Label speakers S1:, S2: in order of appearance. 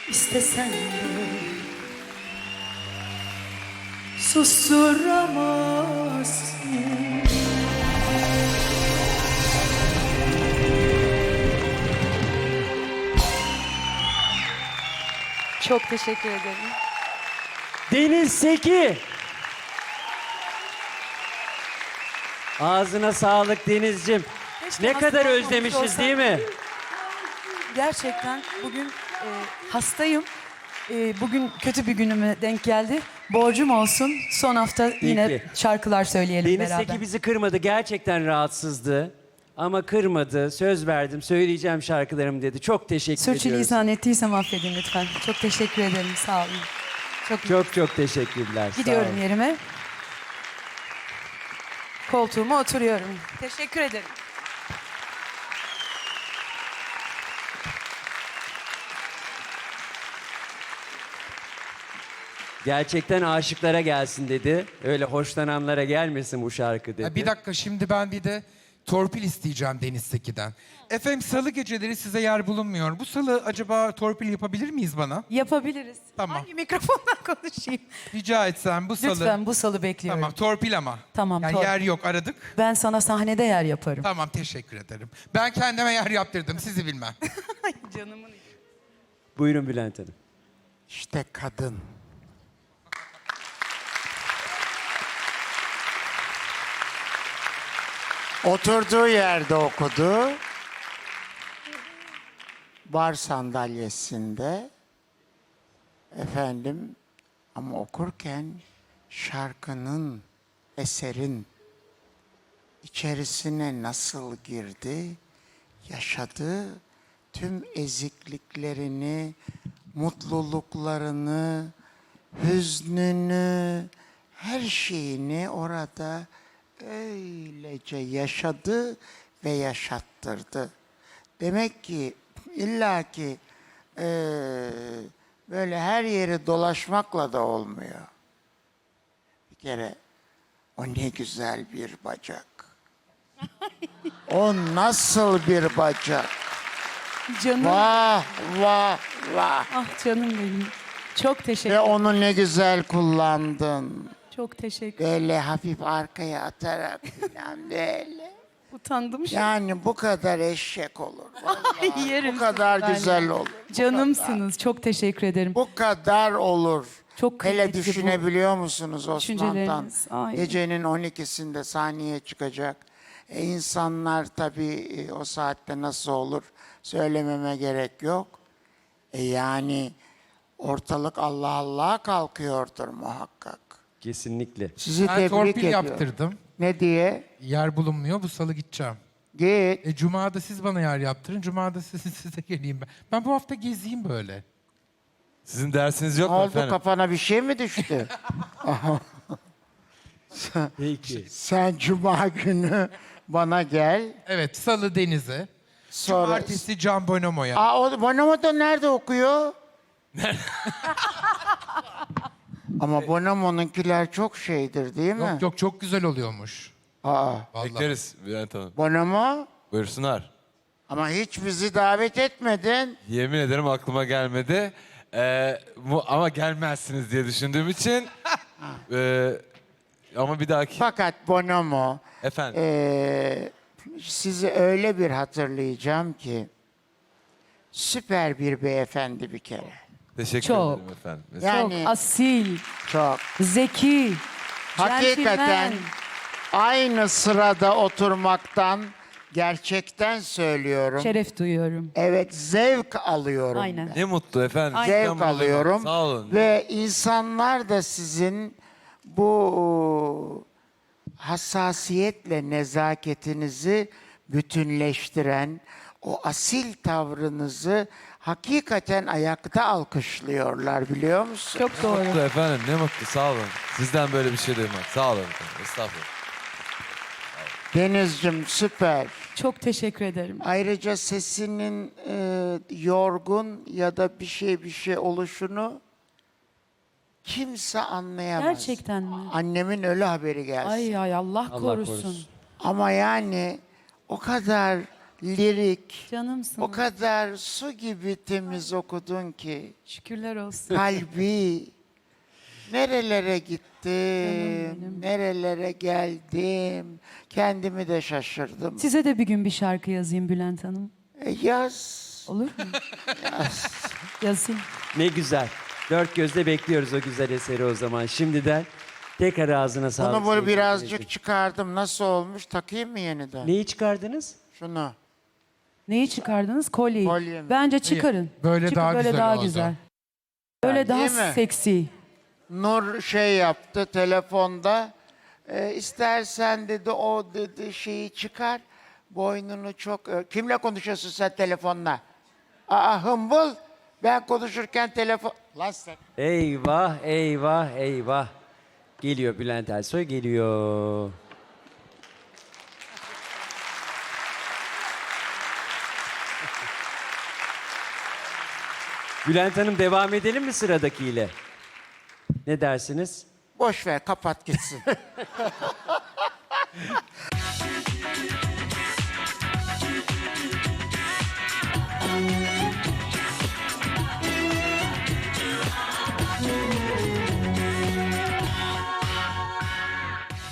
S1: İstesen de susturamazsın.
S2: Çok teşekkür ederim.
S3: Deniz Seki. Ağzına sağlık Deniz'cim.
S2: Keşke
S3: Ne kadar
S2: hasta
S3: özlemişiz
S2: olmamış
S3: değil mi?
S2: Gerçekten bugün hastayım. Bugün kötü bir günüme denk geldi. Borcum olsun. Son hafta yine
S3: ki.
S2: şarkılar söyleyelim
S3: Deniz
S2: beraber.
S3: Seki bizi kırmadı. Gerçekten rahatsızdı. Ama kırmadı. Söz verdim. Söyleyeceğim şarkılarım dedi. Çok teşekkür ediyoruz.
S2: Sürçülisan ettiysem affedin lütfen. Çok teşekkür ederim. Sağ olun.
S3: Çok çok teşekkürler. Sağ
S2: Gidiyorum
S3: olun.
S2: yerime. Koltuğuma oturuyorum. Teşekkür ederim.
S3: Gerçekten aşıklara gelsin dedi. Öyle hoşlananlara gelmesin bu şarkı dedi.
S4: Bir dakika, şimdi ben bir de torpil isteyeceğim Deniz Seki'den. Efendim, salı geceleri size yer bulunmuyor. Bu salı acaba torpil yapabilir miyiz bana?
S2: Yapabiliriz.
S4: Tamam.
S2: Hangi mikrofondan konuşayım?
S4: Rica etsem bu salı.
S2: Lütfen bu salı bekliyorum.
S4: Tamam, torpil ama.
S2: Tamam,
S4: Yani
S2: torpil.
S4: yer yok, aradık.
S2: Ben sana sahnede yer yaparım.
S4: Tamam, teşekkür ederim. Ben kendime yer yaptırdım, sizi bilmem.
S2: Canımın içi.
S3: Buyurun Bülent Hanım.
S5: İşte kadın. Oturduğu yerde okudu. Bar sandalyesinde. Efendim, ama okurken şarkının, eserin içerisine nasıl girdi, yaşadı, tüm ezikliklerini, mutluluklarını, hüznünü, her şeyini orada öylece yaşadı ve yaşattırdı. Demek ki illaki böyle her yeri dolaşmakla da olmuyor. Bir kere o ne güzel bir bacak. O nasıl bir bacak.
S2: Canım.
S5: Vah vah vah.
S2: Ah canım benim. Çok teşekkür
S5: Ve onu ne güzel kullandın.
S2: Çok teşekkür
S5: Böyle hafif arkaya atarak falan böyle.
S2: Utandım şu an.
S5: Yani bu kadar eşek olur. Vallahi.
S2: Yerim
S5: Bu kadar
S2: sizi ben
S5: güzel
S2: ya.
S5: olur.
S2: Canımsınız. Çok teşekkür ederim.
S5: Bu kadar olur.
S2: Çok
S5: Hele
S2: kıymetli bu
S5: düşünebiliyor musunuz Osman Tan?
S2: düşünceleriniz. Ay.
S5: Gecenin 12'sinde sahneye çıkacak. İnsanlar tabii o saatte nasıl olur söylememe gerek yok. Yani ortalık Allah Allah'a kalkıyordur muhakkak.
S3: Kesinlikle.
S5: Sizi
S4: Ben
S5: tebrik
S4: torpil
S5: ediyorum.
S4: yaptırdım.
S5: Ne diye?
S4: Yer bulunmuyor, bu salı gideceğim.
S5: Git.
S4: Cuma'da siz bana yer yaptırın, Cuma'da size geleyim ben. Ben bu hafta gezeyim böyle.
S6: Sizin dersiniz
S5: Ne
S6: yok mu
S5: oldu,
S6: efendim?
S5: kafana bir şey mi düştü?
S3: Peki.
S5: Sen cuma günü bana gel.
S4: Evet, salı Deniz'e.
S5: Sonra...
S4: Cumartesi Can Bonomo'ya.
S5: O Bonomo da nerede okuyor? Ama Bonomo'nunkiler çok şeydir değil mi?
S4: Yok yok, çok güzel oluyormuş.
S5: Aa,
S4: Vallahi.
S6: Bekleriz Bülent Hanım.
S5: Bonomo?
S6: Buyursunlar.
S5: Ama hiç bizi davet etmedin.
S6: Yemin ederim aklıma gelmedi. Ama gelmezsiniz diye düşündüğüm için. Ama bir dahaki...
S5: Fakat Bonomo,
S6: Efendim.
S5: sizi öyle bir hatırlayacağım ki süper bir beyefendi bir kere.
S6: Teşekkür
S2: çok.
S6: ederim efendim.
S5: Yani
S2: Çok asil,
S5: çok.
S2: zeki,
S5: Hakikaten
S2: centilmen.
S5: aynı sırada oturmaktan gerçekten söylüyorum.
S2: Şeref duyuyorum.
S5: Evet, zevk alıyorum.
S2: Aynen.
S6: Ne mutlu efendim.
S5: Zevk
S6: İstanbul'da-
S5: alıyorum.
S6: Sağ olun.
S5: Ve insanlar da sizin bu hassasiyetle nezaketinizi bütünleştiren o asil tavrınızı hakikaten ayakta alkışlıyorlar, biliyor musun?
S2: Çok doğru.
S6: Mutlu efendim, ne mutlu, sağ olun. Sizden böyle bir şey duymak. Sağ olun efendim. Estağfurullah.
S5: Denizciğim süper.
S2: Çok teşekkür ederim.
S5: Ayrıca sesinin yorgun ya da bir şey oluşunu kimse anlayamaz.
S2: Gerçekten mi?
S5: Annemin ölü haberi gelsin.
S2: Ay ay Allah
S3: Allah
S2: korusun.
S3: korusun.
S5: Ama yani o kadar lirik.
S2: Canımsın.
S5: O kadar su gibi temiz okudun ki.
S2: Şükürler olsun.
S5: Kalbi. Nerelere gittim,
S2: benim.
S5: nerelere geldim. Kendimi de şaşırdım.
S2: Size de bir gün bir şarkı yazayım Bülent Hanım.
S5: Yaz.
S2: Olur mu? Yazayım.
S3: Ne güzel. Dört gözle bekliyoruz o güzel eseri o zaman. Şimdiden tekrar ağzına sağlık.
S5: Bunu böyle
S3: sevgili
S5: birazcık
S3: dinleyiciler.
S5: çıkardım. Nasıl olmuş? Takayım mı yeniden?
S3: Neyi çıkardınız?
S5: Şunu.
S2: Neyi çıkardınız? Kolyeyi.
S5: Kolye mi?
S2: Bence çıkarın.
S4: Böyle
S2: Çıkın,
S4: daha
S2: böyle
S4: güzel
S2: daha
S4: oldu.
S2: güzel. Böyle daha
S5: Değil mi?
S2: seksi.
S5: Nur şey yaptı telefonda. İstersen dedi o dedi şeyi çıkar. Boynunu çok... Kimle konuşuyorsun sen telefonla? Aa hımbıl. Ben konuşurken telefon... Lan sen...
S3: Eyvah, eyvah, eyvah. Geliyor Bülent Ersoy, geliyor. Bülent Hanım devam edelim mi sıradakiyle? Ne dersiniz?
S5: Boş ver kapat gitsin.